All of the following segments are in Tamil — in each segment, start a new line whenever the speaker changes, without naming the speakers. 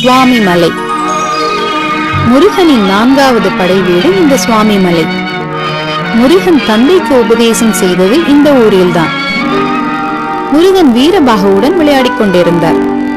சுவாமி மலை. முருகனின் 4வது படை வீடு இந்த சுவாமி மலை. முருகன் தந்தைக்கு உபதேசம் செய்தது இந்த ஊரில்தான். முருகன் வீரபாகுவுடன் விளையாடிக் கொண்டிருந்தார்.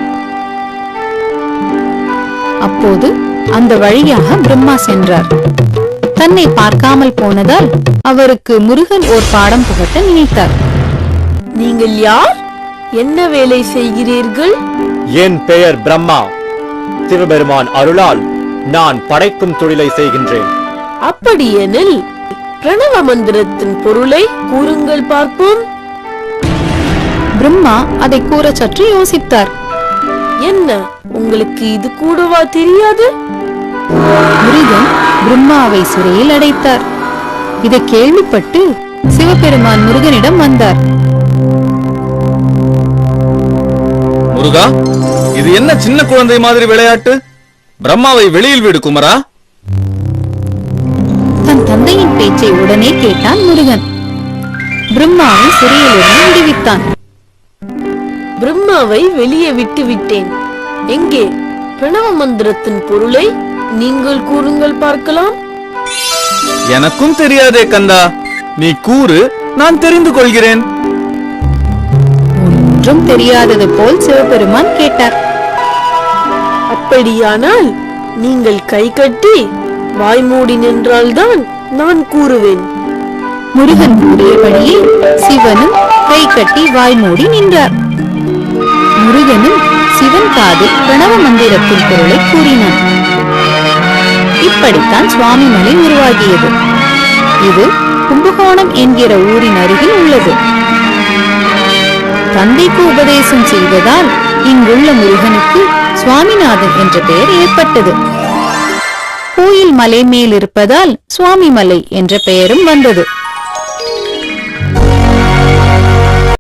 அப்போது அந்த வழியாக பிரம்மா சென்றார். தன்னை பார்க்காமல் போனதால் அவருக்கு முருகன் ஓர் பாடம் புகட்ட நினைத்தார்.
நீங்கள் யார்? என்ன வேலை செய்கிறீர்கள்?
என் பெயர் பிரம்மா. சிவபெருமான் அருளால் நான் படைக்கும் தொழிலை செய்கின்றேன்.
அப்படியெனில் பிரணவ மந்திரத்தின் பொருளை கூறுங்கள் பார்ப்போம்.
பிரம்மா அதை கூற சற்று யோசித்தார்.
என்ன, உங்களுக்கு இது கூடவா தெரியாது?
முருகன் பிரம்மாவை சிறையில் அடைத்தார். இதை கேள்விப்பட்டு சிவபெருமான் முருகனிடம் வந்தார்.
முருகா, இது என்ன சின்ன குழந்தை மாதிரி விளையாட்டு? பிரம்மாவை வெளியில் விடு குமரா.
தன் தந்தையின் பேச்சை உடனே கேட்டான் முருகன். பிரம்மாவை சிறையிலிருந்து விடுவித்தான்.
பிரம்மாவை வெளியே விட்டு விட்டேன். எங்கே பிரணவ மந்திரத்தின் பொருளை நீங்கள் கூறுங்கள் பார்க்கலாம்.
எனக்கும் தெரியாதே கந்தா, நீ கூறு, நான் தெரிந்து கொள்கிறேன்.
ஒன்றும் தெரியாதது போல் சிவபெருமான் கேட்டார்.
அப்படியானால் நீங்கள் கை கட்டி வாய்மூடி நின்றால்தான் நான் கூறுவேன்.
முருகன் கூறியபடியே சிவனும் கை கட்டி வாய்மூடி நின்றார். முருகனும் சிவன் காதில் பிரணவ மந்திரத்தின் பொருளை கூறினான். இப்படித்தான் சுவாமி மலை உருவாகியது. இது கும்பகோணம் என்கிற ஊரின் அருகில் உள்ளது. தந்தைக்கு உபதேசம் செய்ததால் இங்குள்ள முருகனுக்கு சுவாமிநாதன் என்ற பெயர் ஏற்பட்டது. கோயில் மலை மேல் இருப்பதால் சுவாமி மலை என்ற பெயரும் வந்தது.